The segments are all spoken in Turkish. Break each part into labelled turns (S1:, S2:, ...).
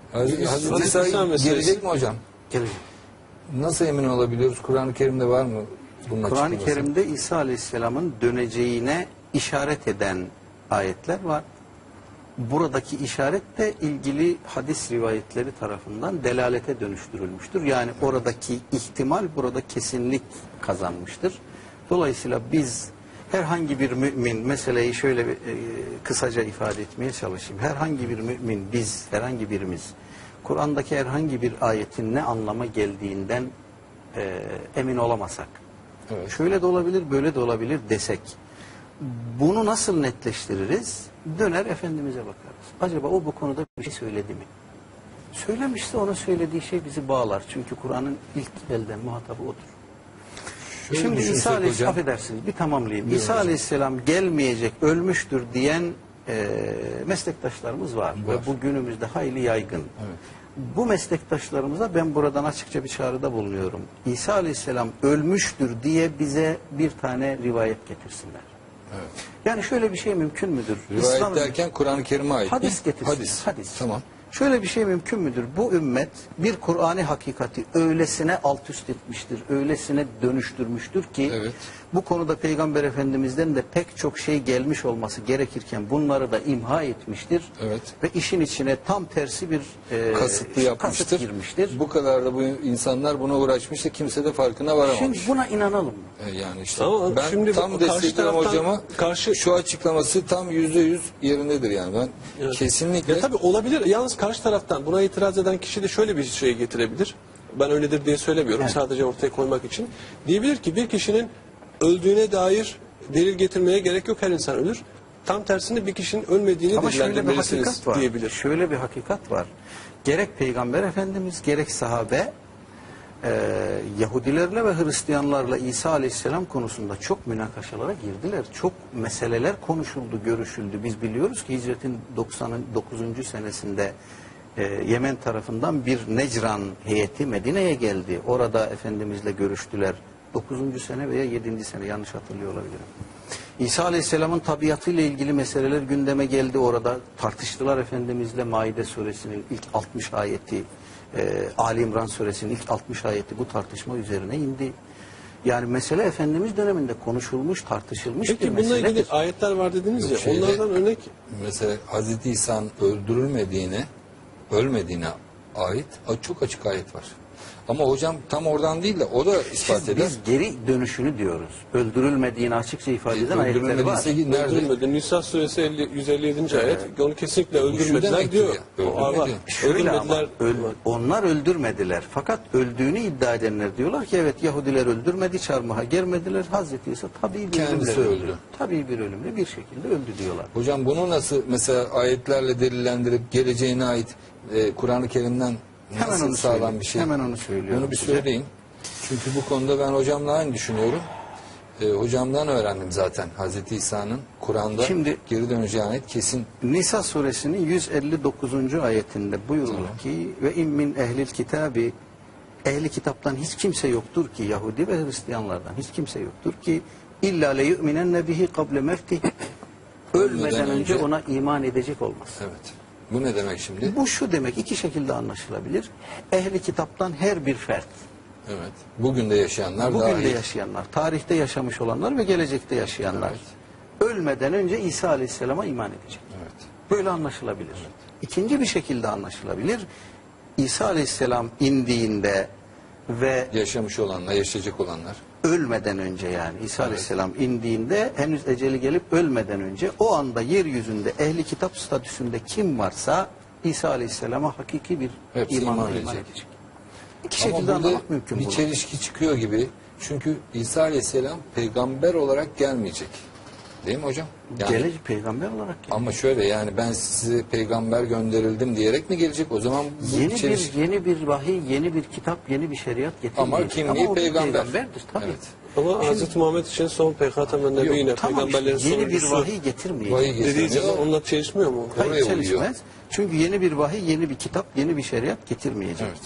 S1: Hazreti İsa gelecek mi hocam?
S2: Gelecek.
S1: Nasıl emin olabiliyoruz? Kur'an-ı Kerim'de var mı bunun
S2: Kur'an-ı
S1: açıklaması?
S2: Kerim'de İsa Aleyhisselam'ın döneceğine işaret eden ayetler var. Buradaki işaret de ilgili hadis rivayetleri tarafından delalete dönüştürülmüştür. Yani oradaki ihtimal burada kesinlik kazanmıştır. Dolayısıyla biz herhangi bir mümin, meseleyi şöyle kısaca ifade etmeye çalışayım. Herhangi bir mümin, biz, herhangi birimiz, Kur'an'daki herhangi bir ayetin ne anlama geldiğinden emin olamasak,
S1: Evet.
S2: şöyle de olabilir, böyle de olabilir desek, bunu nasıl netleştiririz? Döner Efendimiz'e bakarız. Acaba o bu konuda bir şey söyledi mi? Söylemişse onun söylediği şey bizi bağlar. Çünkü Kur'an'ın ilk elden muhatabı odur.
S1: Şöyle
S2: Şimdi
S1: düşünsek
S2: İsa Aleyhisselam,
S1: hocam.
S2: affedersiniz bir tamamlayayım.
S1: Buyurun
S2: İsa
S1: hocam.
S2: Aleyhisselam gelmeyecek, ölmüştür diyen meslektaşlarımız var. Ve bu günümüzde hayli yaygın.
S1: Evet.
S2: Bu meslektaşlarımıza ben buradan açıkça bir çağrıda bulunuyorum. İsa Aleyhisselam ölmüştür diye bize bir tane rivayet getirsinler.
S1: Evet.
S2: Yani şöyle bir şey mümkün müdür?
S1: Rivayet derken Kur'an-ı Kerim'e ait
S2: Hadis
S1: mi?
S2: getirsin.
S1: Hadis. Tamam.
S2: Şöyle bir şey mümkün müdür? Bu ümmet bir Kur'an-ı hakikati öylesine alt üst etmiştir, öylesine dönüştürmüştür ki
S1: Evet.
S2: bu konuda Peygamber Efendimiz'den de pek çok şey gelmiş olması gerekirken bunları da imha etmiştir.
S1: Evet.
S2: Ve işin içine tam tersi bir
S1: Kasıtlı yapmıştır.
S2: kasıt girmiştir.
S1: Bu kadar da bu insanlar buna uğraşmıştır. Kimse de farkına varamamış.
S2: Şimdi buna inanalım mı?
S1: Yani işte
S3: Ama
S1: ben
S3: şimdi
S1: tam
S3: karşı
S1: destekliyorum
S3: taraftan
S1: hocama. Şu açıklaması tam %100 yerindedir yani. Ben
S3: Evet.
S1: kesinlikle
S3: Ya tabii olabilir. Yalnız karşı taraftan buna itiraz eden kişi de şöyle bir şey getirebilir. Ben öyledir diye söylemiyorum.
S2: Evet.
S3: Sadece ortaya koymak için. Diyebilir ki bir kişinin öldüğüne dair delil getirmeye gerek yok. Her insan ölür. Tam tersine bir kişinin ölmediğini
S2: Ama şöyle bir
S3: delillendirmelisiniz
S2: hakikat var.
S3: diyebilir.
S2: Şöyle bir hakikat var. Gerek Peygamber Efendimiz gerek sahabe Yahudilerle ve Hristiyanlarla İsa Aleyhisselam konusunda çok münakaşalara girdiler. Çok meseleler konuşuldu, görüşüldü. Biz biliyoruz ki hicretin 99. senesinde Yemen tarafından bir Necran heyeti Medine'ye geldi. Orada Efendimizle görüştüler. 9. sene veya 7. sene yanlış hatırlıyor olabilirim. İsa Aleyhisselam'ın tabiatıyla ilgili meseleler gündeme geldi. Orada tartıştılar Efendimizle. Maide suresinin ilk 60 ayeti, Ali İmran suresinin ilk 60 ayeti bu tartışma üzerine indi. Yani mesele Efendimiz döneminde konuşulmuş, tartışılmış bir
S3: Peki bununla
S2: meseledir.
S3: ilgili ayetler var dediniz ya.
S1: Şeyde-
S3: Onlardan örnek
S1: mesela Hazreti İsa'nın ölmediğine ait çok açık ayet var. Ama hocam tam oradan değil de o da ispat eder.
S2: Biz geri dönüşünü diyoruz. Öldürülmediğini açıkça ifade eden ayetler var.
S1: Öldürülmediyse nerede?
S3: öldürülmedi. Nisa suresi 157. ayet. Onu kesinlikle
S1: Bu şu
S3: öldürmediler
S1: demektir
S3: diyor.
S1: ya,
S3: O var.
S1: öldürmedi.
S2: Şöyle ama
S3: Öldürmediler.
S2: onlar öldürmediler. Fakat öldüğünü iddia edenler diyorlar ki evet Yahudiler öldürmedi, çarmıha germediler. Hazreti İsa tabii bir
S1: Kendisi
S2: ölümle
S1: öldü.
S2: Tabii bir ölümle bir şekilde öldü diyorlar.
S1: Hocam bunu nasıl mesela ayetlerle delillendirip geleceğine ait Kur'an-ı Kerim'den
S2: Hemen
S1: nasıl
S2: onu
S1: sağlam
S2: söyleyeyim.
S1: bir şey?
S2: Hemen onu söylüyorum
S1: Bunu bir
S2: size.
S1: söyleyin. Çünkü bu konuda ben hocamla aynı düşünüyorum. Hocamdan öğrendim zaten Hazreti İsa'nın Kur'an'da
S2: Şimdi-
S1: geri döneceğine ait kesin.
S2: Nisa suresinin 159. ayetinde buyurulur ki ve in min ehlil kitabi, ehli kitaptan hiç kimse yoktur ki, Yahudi ve Hristiyanlardan hiç kimse yoktur ki illa le yu'minenne bihi kable mevtih, ölmeden önce ona iman edecek olmaz.
S1: Evet. Bu ne demek şimdi?
S2: Bu şu demek, iki şekilde anlaşılabilir. Ehli kitaptan her bir fert,
S1: Evet. Bugün de yaşayanlar
S2: bugün
S1: dahil.
S2: de yaşayanlar, tarihte yaşamış olanlar ve gelecekte yaşayanlar ölmeden önce İsa Aleyhisselam'a iman edecek.
S1: Evet.
S2: Böyle anlaşılabilir. İkinci bir şekilde anlaşılabilir. İsa Aleyhisselam indiğinde ve
S1: Yaşamış olanlar, yaşayacak olanlar.
S2: ölmeden önce yani İsa Aleyhisselam indiğinde henüz eceli gelip ölmeden önce o anda yeryüzünde ehli kitap statüsünde kim varsa İsa Aleyhisselam'a hakiki bir
S1: Hepsi
S2: imanla
S1: iman
S2: iman
S1: edecek.
S2: edecek. İki
S1: Ama
S2: şekilde
S1: burada
S2: anlamak mümkün
S1: bir
S2: bunu.
S1: çelişki çıkıyor gibi. Çünkü İsa Aleyhisselam peygamber olarak gelmeyecek. Değil mi hocam? Yani,
S2: Gelecek peygamber olarak gelecek.
S1: ama şöyle yani ben size peygamber gönderildim diyerek mi gelecek? O zaman bu
S2: Yeni bir vahiy, yeni bir kitap, yeni bir şeriat getirmeyecek.
S1: Ama kimliği
S2: o bir
S1: peygamber.
S2: peygamberdir tabii.
S1: Evet.
S3: Ama Hz. Muhammed için son peygamber nebiyine,
S2: Tamam işte,
S3: peygamberlerin
S2: yeni bir
S3: sonuncusu
S2: vahiy getirmeyecek.
S1: Vahiy
S3: dediği
S1: getirmiyor.
S3: zaman onunla çelişmiyor mu?
S2: Hayır
S1: Oraya
S2: çelişmez.
S1: uyuyor.
S2: Çünkü yeni bir vahiy, yeni bir kitap, yeni bir şeriat getirmeyecek.
S1: Evet.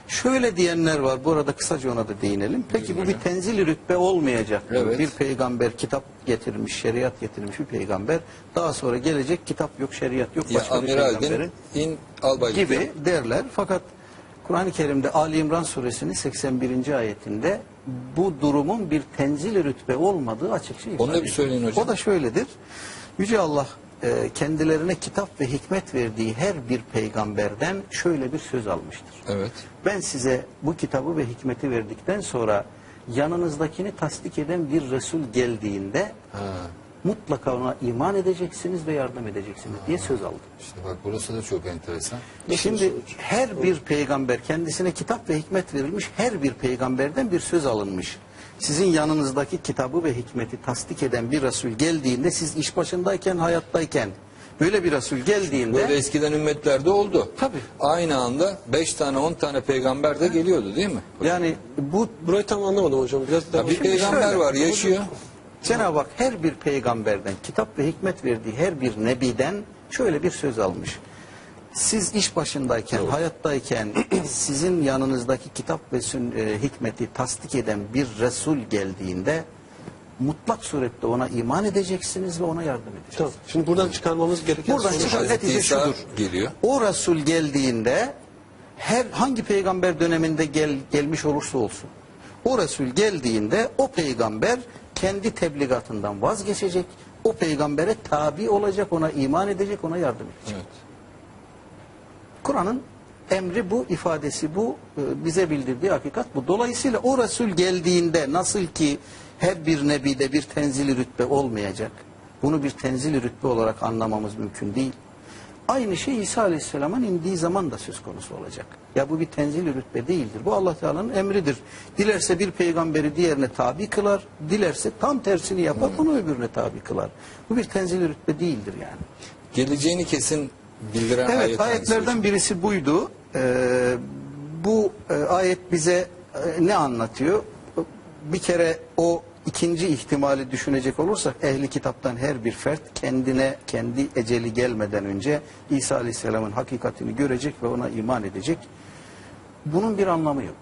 S2: Şöyle diyenler var. Bu arada kısaca ona da değinelim. Peki bu bir tenzil rütbe olmayacak mı?
S1: Evet.
S2: Bir peygamber kitap getirmiş, şeriat getirmiş bir peygamber. Daha sonra gelecek kitap yok, şeriat yok.
S1: Ya
S2: Başka bir
S1: amiral
S2: peygamberin
S1: in albay
S2: gibi derler. Fakat Kur'an-ı Kerim'de Ali İmran suresinin 81. ayetinde bu durumun bir tenzil rütbe olmadığı açıkça ifade
S1: Onu da bir
S2: ediyor.
S1: söyleyin hocam.
S2: O da şöyledir. Yüce Allah kendilerine kitap ve hikmet verdiği her bir peygamberden şöyle bir söz almıştır.
S1: Evet.
S2: Ben size bu kitabı ve hikmeti verdikten sonra yanınızdakini tasdik eden bir Resul geldiğinde
S1: Ha.
S2: mutlaka ona iman edeceksiniz ve yardım edeceksiniz diye söz aldı.
S1: İşte bak burası da çok enteresan.
S2: Şimdi her bir peygamber kendisine kitap ve hikmet verilmiş, her bir peygamberden bir söz alınmış. Sizin yanınızdaki kitabı ve hikmeti tasdik eden bir Resul geldiğinde, siz iş başındayken, hayattayken böyle bir Resul geldiğinde
S1: Böyle eskiden ümmetlerde oldu.
S2: Tabii.
S1: Aynı anda 5 tane 10 tane peygamber de geliyordu değil mi?
S2: yani bu
S3: Burayı tam anlamadım hocam. Biraz daha
S1: Ya bir peygamber
S2: şöyle,
S1: var yaşıyor.
S2: Cenab-ı Hak her bir peygamberden kitap ve hikmet verdiği her bir nebiden şöyle bir söz almış. Siz iş başındayken, hayattayken sizin yanınızdaki kitap ve hikmeti tasdik eden bir Resul geldiğinde mutlak surette ona iman edeceksiniz ve ona yardım edeceksiniz.
S3: Tamam. Şimdi buradan çıkarmamız gereken
S2: Buradan
S3: sonuç-
S2: çıkan
S1: Hazreti
S2: netice
S1: İsa
S2: şudur.
S1: geliyor.
S2: O Resul geldiğinde hangi peygamber döneminde gelmiş olursa olsun, o Resul geldiğinde o peygamber kendi tebligatından vazgeçecek, o peygambere tabi olacak, ona iman edecek, ona yardım edecek.
S1: Evet.
S2: Kur'an'ın emri bu, ifadesi bu, bize bildirdiği hakikat bu. Dolayısıyla o Resul geldiğinde nasıl ki her bir nebide bir tenzili rütbe olmayacak, bunu bir tenzili rütbe olarak anlamamız mümkün değil. Aynı şey İsa Aleyhisselam'ın indiği zaman da söz konusu olacak. Ya bu bir tenzili rütbe değildir. Bu Allah Teala'nın emridir. Dilerse bir peygamberi diğerine tabi kılar, dilerse tam tersini yapar, onu öbürüne tabi kılar. Bu bir tenzili rütbe değildir yani.
S1: Geleceğini kesin bildiren
S2: Evet,
S1: ayet hangisi
S2: ayetlerden
S1: hocam?
S2: birisi buydu. Bu ayet bize ne anlatıyor? Bir kere o ikinci ihtimali düşünecek olursak, ehli kitaptan her bir fert kendine, kendi eceli gelmeden önce İsa Aleyhisselam'ın hakikatini görecek ve ona iman edecek. Bunun bir anlamı yok.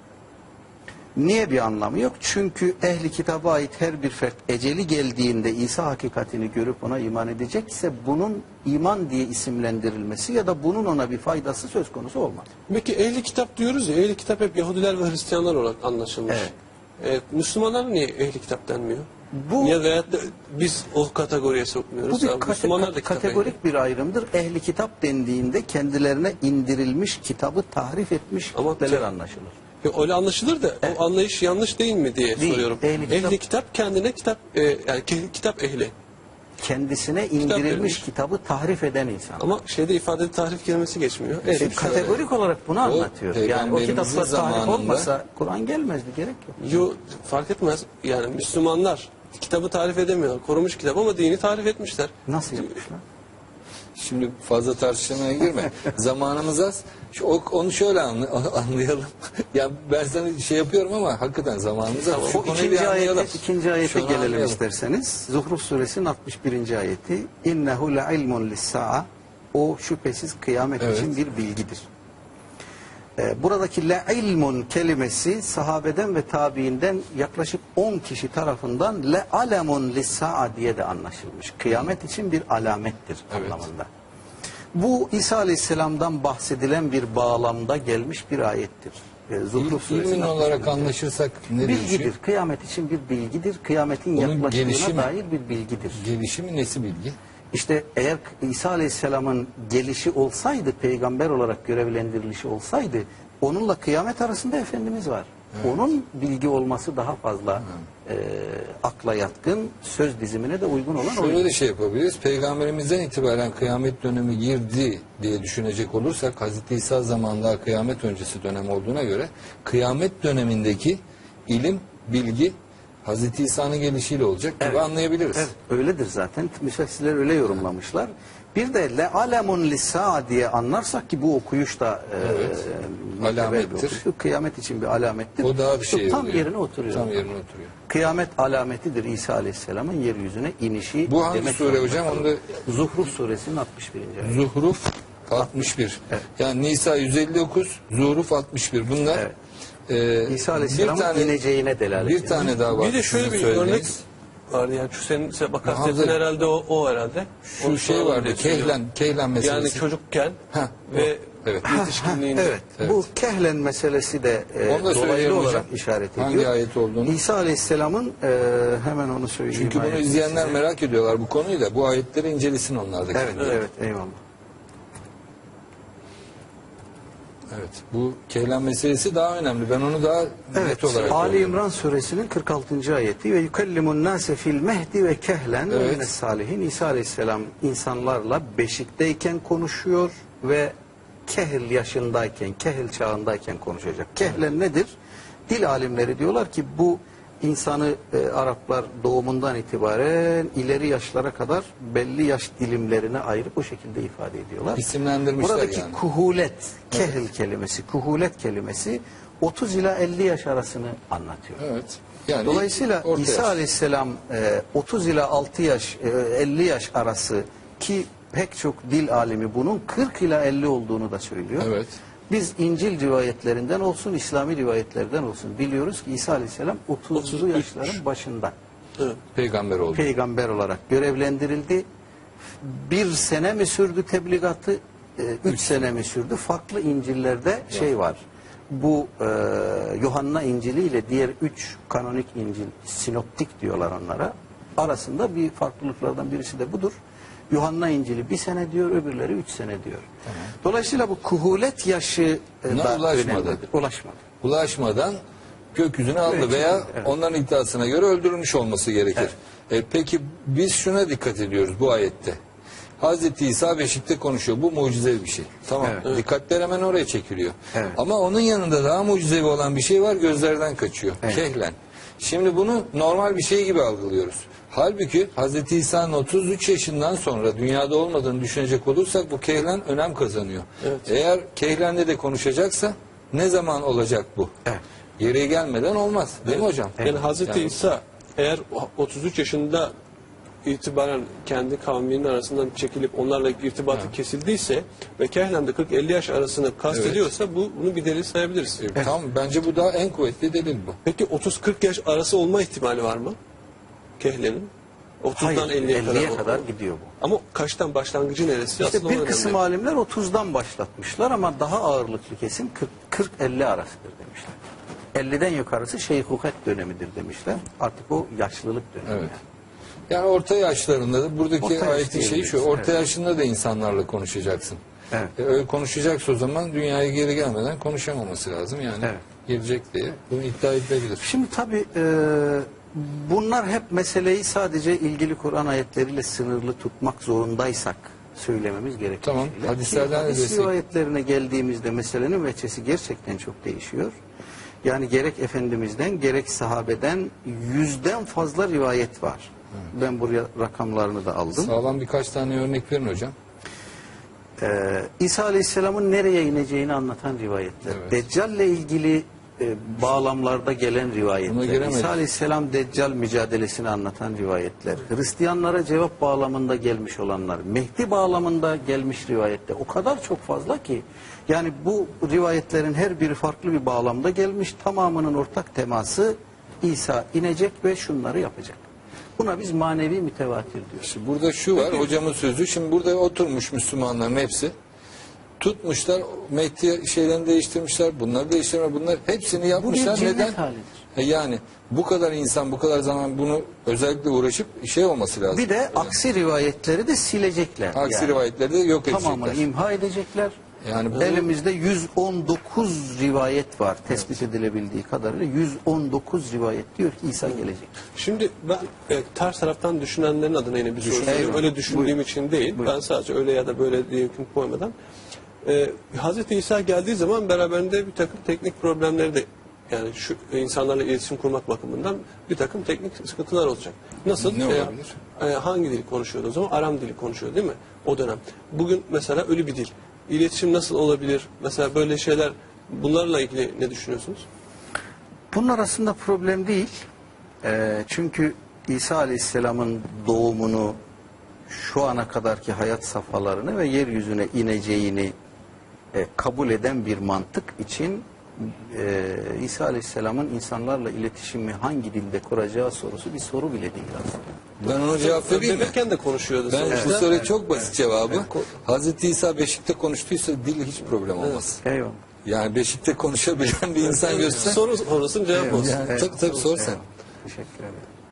S2: Niye bir anlamı yok? Çünkü ehli kitaba ait her bir fert eceli geldiğinde İsa hakikatini görüp ona iman edecekse bunun iman diye isimlendirilmesi ya da bunun ona bir faydası söz konusu olmaz.
S3: Peki ehli kitap diyoruz ya, ehli kitap hep Yahudiler ve Hristiyanlar olarak anlaşılmış.
S2: Evet.
S3: Müslümanlar niye ehli kitap denmiyor?
S2: Bu-
S3: Ya veyahut da biz o kategoriye sokmuyoruz.
S2: Bu bir
S3: Abi, Müslümanlar da kitap ehli.
S2: kategorik bir ayrımdır. Ehli kitap dendiğinde kendilerine indirilmiş kitabı tahrif etmiş
S3: Ama
S2: kitleler anlaşılır.
S3: Ya öyle anlaşılır da o anlayış yanlış değil mi diye
S2: Değil.
S3: soruyorum.
S2: Ehli
S3: Kitap kendine kitap yani kitap ehli.
S2: Kendisine indirilmiş
S3: verilmiş.
S2: kitabı tahrif eden insan.
S3: Ama şeyde ifadede tahrif kelimesi geçmiyor.
S2: Şimdi kategorik olarak bunu anlatıyor. Yani o
S1: peygamberimizin
S2: kitaplar tahrif
S1: zamanında-
S2: olmasa Kur'an gelmezdi, gerek yok.
S3: Yo, fark etmez. Yani Müslümanlar kitabı tarif edemiyorlar. Korumuş kitap ama dini tarif etmişler.
S2: Nasıl yapmışlar?
S1: Şimdi fazla tartışmaya girme. Zamanımız az. Onu şöyle anlayalım. Ya ben sana şey yapıyorum ama hakikaten zamanımız az. Şu
S2: O
S1: konuyu bir anlayalım.
S2: ikinci ayete
S1: Şunu
S2: gelelim
S1: anlayalım.
S2: isterseniz. Zuhruf suresinin 61. ayeti. İnnehu le'ilmun lis-sa'a. O şüphesiz kıyamet
S1: Evet.
S2: için bir bilgidir. Buradaki le'ilmun kelimesi sahabeden ve tabiinden yaklaşık 10 kişi tarafından le'alemun lis-sa'a diye de anlaşılmış. Kıyamet için bir alamettir
S1: Evet.
S2: anlamında. Bu İsa Aleyhisselam'dan bahsedilen bir bağlamda gelmiş bir ayettir. Zuhruf suresinin
S1: İlmin
S2: 61.
S1: olarak anlaşırsak ne
S2: Bilgidir.
S1: değişiyor?
S2: Kıyamet için bir bilgidir. Kıyametin
S1: Onun
S2: yaklaştığına
S1: gelişimi-
S2: dair bir bilgidir.
S1: Gelişimi nesi bilgi?
S2: İşte eğer İsa Aleyhisselam'ın gelişi olsaydı, peygamber olarak görevlendirilişi olsaydı, onunla kıyamet arasında Efendimiz var. Onun bilgi olması daha fazla akla yatkın, söz dizimine de uygun olan
S1: Şöyle
S2: oydu.
S1: de şey yapabiliriz. Peygamberimizden itibaren kıyamet dönemi girdi diye düşünecek olursak Hazreti İsa zamanında kıyamet öncesi dönem olduğuna göre kıyamet dönemindeki ilim, bilgi Hazreti İsa'nın gelişiyle olacak gibi anlayabiliriz.
S2: Evet, öyledir zaten. Müfessirler öyle yorumlamışlar. Bir de le alemun lisa diye anlarsak ki bu okuyuş da muteber
S1: Alamettir.
S2: bir okuyuş. Kıyamet için bir alamettir.
S1: O daha bir
S2: İşte
S1: şey
S2: tam
S1: oluyor.
S2: yerine oturuyor.
S1: Tam yerine oturuyor.
S2: Kıyamet alametidir İsa Aleyhisselam'ın yeryüzüne inişi.
S1: Bu hangi
S2: demek
S1: sure
S2: zorunda
S1: hocam?
S2: kalır.
S1: Onu da
S2: Zuhruf suresinin 61. ayeti.
S1: Zuhruf 61. Yani Nisa 159, Zuhruf 61. Bunlar
S2: İsa
S1: bir
S2: Aleyhisselam'ın
S1: tane
S2: ineceğine delalet
S1: bir
S2: ediyor.
S1: tane daha var.
S3: Bir de şöyle
S1: sizin
S3: bir örnek
S1: söylediğiniz.
S3: vardı yani şu senin
S1: Muhammed-
S3: kastettiğin herhalde o herhalde.
S1: Şu
S3: Onu
S1: şey
S3: soralım
S1: vardı.
S3: diye söylüyorum.
S1: Kehlen meselesi.
S3: Yani çocukken
S1: Ha,
S3: ve
S1: evet.
S3: yetişkinliğinde.
S2: Evet. Bu kehlen meselesi de
S1: Onu da
S2: dolaylı
S1: söyleyelim
S2: olarak
S1: hocam.
S2: işaret ediyor.
S1: Hangi ayet olduğunu.
S2: İsa Aleyhisselam'ın hemen onu söyleyeyim.
S1: Çünkü bunu
S2: ayeti
S1: izleyenler
S2: size.
S1: merak ediyorlar bu konuyu da. Bu ayetleri incelesin onlar da.
S2: Evet, evet, eyvallah.
S1: Evet. Bu Kehlen meselesi daha önemli. Ben onu daha net
S2: Evet,
S1: olarak
S2: Ali
S1: görüyorum.
S2: İmran suresinin 46. ayeti ve yukellimun nase fil mehdi ve kehlen
S1: Evet.
S2: ve mines salihin. İsa Aleyhisselam insanlarla beşikteyken konuşuyor ve kehil yaşındayken, kehil çağındayken konuşacak. Kehlen nedir? Dil alimleri diyorlar ki bu insanı Araplar doğumundan itibaren ileri yaşlara kadar belli yaş dilimlerine ayırıp o şekilde ifade ediyorlar.
S1: İsimlendirmişler
S2: Buradaki
S1: yani.
S2: kuhulet, kehil kelimesi, kuhulet kelimesi 30 ila 50 yaş arasını anlatıyor.
S1: Evet. Yani
S2: Dolayısıyla
S1: orta
S2: İsa
S1: yaş.
S2: Aleyhisselam 30 ila 6 yaş, 50 yaş arası ki pek çok dil alimi bunun 40 ila 50 olduğunu da söylüyor.
S1: Evet.
S2: Biz İncil rivayetlerinden olsun, İslami rivayetlerden olsun biliyoruz ki İsa Aleyhisselam 30'lu
S3: 33.
S2: yaşların başında
S3: Evet.
S1: Peygamber oldu.
S2: peygamber olarak görevlendirildi. Bir sene mi sürdü tebligatı, 3 sene mi sürdü? Farklı İncil'lerde şey var. Bu Yuhanna İncil'i ile diğer 3 kanonik İncil, sinoptik diyorlar onlara. Arasında bir farklılıklardan birisi de budur. Yuhanna İncil'i 1 sene diyor, öbürleri 3 sene diyor. Dolayısıyla bu kuhulet yaşı
S1: Buna
S2: da
S1: ulaşmadı.
S2: önemlidir. Ulaşmadı.
S1: Ulaşmadan gökyüzüne aldı
S2: Evet,
S1: veya
S2: evet.
S1: onların iddiasına göre öldürülmüş olması gerekir. Peki biz şuna dikkat ediyoruz bu ayette. Hazreti İsa beşikte konuşuyor. Bu mucizevi bir şey. Tamam.
S2: Evet.
S1: Dikkatler hemen oraya çekiliyor.
S2: Evet.
S1: Ama onun yanında daha mucizevi olan bir şey var. Gözlerden kaçıyor.
S2: Evet.
S1: Kehlen. Şimdi bunu normal bir şey gibi algılıyoruz. Halbuki Hazreti İsa'nın 33 yaşından sonra dünyada olmadığını düşünecek olursak bu kehlen önem kazanıyor.
S3: Evet.
S1: Eğer kehlenle de konuşacaksa ne zaman olacak bu?
S2: Evet.
S1: Yere gelmeden olmaz. Değil mi hocam?
S3: Yani Hazreti
S1: Yani-
S3: İsa eğer 33 yaşında itibaren kendi kavminin arasından çekilip onlarla irtibatı kesildiyse ve kehlen de 40-50 yaş arasını kastediyorsa bunu bir delil sayabiliriz.
S1: Tamam, bence bu daha en kuvvetli delil bu.
S3: Peki 30-40 yaş arası olma ihtimali var mı? Kehlenin. 30'dan
S2: Hayır,
S3: 50'ye
S2: 50'ye
S3: kadar.
S2: kadar gidiyor bu.
S3: Ama kaçtan başlangıcı neresi?
S2: İşte
S3: Aslında o
S2: bir kısım
S3: önemli.
S2: alimler 30'dan başlatmışlar ama daha ağırlıklı kesim 40-50 arasıdır demişler. 50'den yukarısı şeyhuhet dönemidir demişler. Artık o yaşlılık dönemi.
S1: Evet. Yani orta yaşlarında da buradaki
S2: Orta yaş
S1: ayetin şeyi şu.
S2: diyebiliriz,
S1: Orta
S2: evet.
S1: yaşında da insanlarla konuşacaksın.
S2: Evet.
S1: Öyle konuşacaksa o zaman dünyaya geri gelmeden konuşamaması lazım. Yani
S2: Evet.
S1: gelecek diye bunu iddia edilebilir.
S2: Şimdi tabii bunlar hep meseleyi sadece ilgili Kur'an ayetleriyle sınırlı tutmak zorundaysak söylememiz gerekiyor.
S1: Tamam, hadislerden de
S2: Hadis
S1: destek-
S2: rivayetlerine geldiğimizde meselenin veçesi gerçekten çok değişiyor. Yani gerek Efendimiz'den gerek sahabeden 100'den fazla rivayet var. Ben buraya rakamlarını da aldım.
S1: Sağlam birkaç tane örnek verin hocam.
S2: İsa Aleyhisselam'ın nereye ineceğini anlatan rivayetler.
S1: Evet.
S2: Deccal'le ilgili bağlamlarda gelen
S1: Buna
S2: rivayetler.
S1: giremedik.
S2: İsa Aleyhisselam Deccal mücadelesini anlatan rivayetler. Hristiyanlara cevap bağlamında gelmiş olanlar. Mehdi bağlamında gelmiş rivayetler. O kadar çok fazla ki. Yani bu rivayetlerin her biri farklı bir bağlamda gelmiş. Tamamının ortak teması İsa inecek ve şunları yapacak. Buna biz manevi mütevatir diyoruz.
S1: Şimdi burada şu var hocamın sözü. Şimdi burada oturmuş Müslümanların hepsi. Tutmuşlar Mehdi şeylerini değiştirmişler. Bunları değiştirmişler. Bunlar hepsini
S2: Bu bir
S1: yapmışlar.
S2: cinnet
S1: Neden?
S2: halidir.
S1: Yani bu kadar insan bu kadar zaman bunu özellikle uğraşıp şey olması lazım.
S2: Bir de aksi rivayetleri de silecekler.
S1: Aksi
S2: Yani
S1: rivayetleri de yok
S2: tamamını
S1: edecekler.
S2: imha edecekler.
S1: Yani bu-
S2: Elimizde 119 rivayet var tespit edilebildiği kadarıyla. 119 rivayet diyor ki İsa gelecek.
S3: Şimdi ben ters taraftan düşünenlerin adına yine bir soru sorayım.
S2: Eyvallah.
S3: Öyle düşündüğüm
S2: Buyurun.
S3: için değil.
S2: Buyurun.
S3: Ben sadece öyle ya da böyle diye hüküm koymadan. Hazreti İsa geldiği zaman beraberinde bir takım teknik problemleri de yani şu insanlarla iletişim kurmak bakımından bir takım teknik sıkıntılar olacak. Nasıl?
S1: Ne olabilir?
S3: Hangi dili konuşuyordu o zaman? Aram dili konuşuyor değil mi? O dönem. Bugün mesela ölü bir dil. İletişim nasıl olabilir? Mesela böyle şeyler bunlarla ilgili ne düşünüyorsunuz?
S2: Bunun arasında problem değil. Çünkü İsa Aleyhisselam'ın doğumunu şu ana kadarki hayat safhalarını ve yeryüzüne ineceğini kabul eden bir mantık için İsa Aleyhisselam'ın insanlarla iletişimi hangi dilde kuracağı sorusu bir soru bile değil aslında.
S1: Ben ona cevap vereyim mi?
S3: Bebekken de konuşuyordu
S1: Ben
S3: sonuçta.
S1: bu soruya çok basit cevabı. Hazreti İsa beşikte konuştuysa dil hiç problem olmaz.
S2: Eyvallah.
S1: Yani beşikte konuşabilen bir insan görsen.
S3: Soru sonrasının cevap olsun.
S1: Yani, tabii sor sen.
S2: Teşekkür ederim.